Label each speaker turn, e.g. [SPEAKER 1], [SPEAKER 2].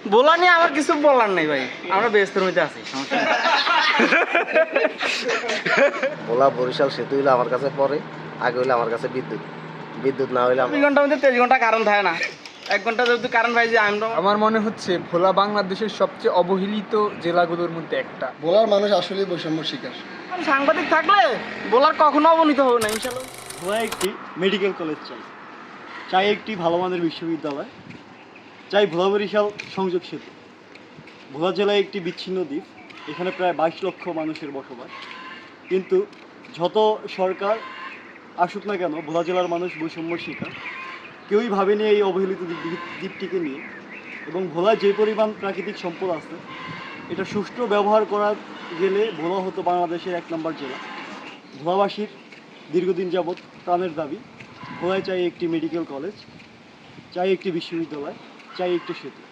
[SPEAKER 1] বলা নিয়ে আমার কিছু বলার নেই ভাই, আমরা ব্যস্তের মধ্যে আছি, সমস্যা নেই।
[SPEAKER 2] ভোলা বরিশাল সেতু হইলে আমার কাছে পরে, আগে হইলে আমার কাছে বিদ্যুৎ। বিদ্যুৎ না হইলে
[SPEAKER 1] ২ ঘন্টার মধ্যে 23 ঘন্টা কারেন্ট থাকে না, 1 ঘন্টা যদি কারেন্ট পাই যে আমরা।
[SPEAKER 3] আমার মনে হচ্ছে ভোলা বাংলাদেশের সবচেয়ে অবহেলিত জেলাগুলোর মধ্যে একটা।
[SPEAKER 4] ভোলার মানুষ আসলে বৈষম্য শিকার।
[SPEAKER 1] সাংবাদিক থাকলে বলার কখনো অবনীত হবে না ইনশাল্লাহ।
[SPEAKER 5] ভোলায় একটি মেডিকেল কলেজ চাই, চাই একটি ভালো মানের বিশ্ববিদ্যালয়, চাই ভোলা বরিশাল সংযোগ সেতু। ভোলা জেলায় একটি বিচ্ছিন্ন দ্বীপ, এখানে প্রায় 22 লক্ষ মানুষের বসবাস, কিন্তু যত সরকার আসুক না কেন ভোলা জেলার মানুষ বৈষম্যর শিকার। কেউই ভাবেনি এই অবহেলিত দ্বীপটিকে নিয়ে। এবং ভোলায় যে পরিমাণ প্রাকৃতিক সম্পদ আছে, এটা সুষ্ঠু ব্যবহার করা গেলে ভোলা হতো বাংলাদেশের 1 নম্বর জেলা। ভোলাবাসীর দীর্ঘদিন যাবৎ প্রাণের দাবি, ভোলায় চাই একটি মেডিকেল কলেজ, চাই একটি বিশ্ববিদ্যালয়, চাই একটি সেতু।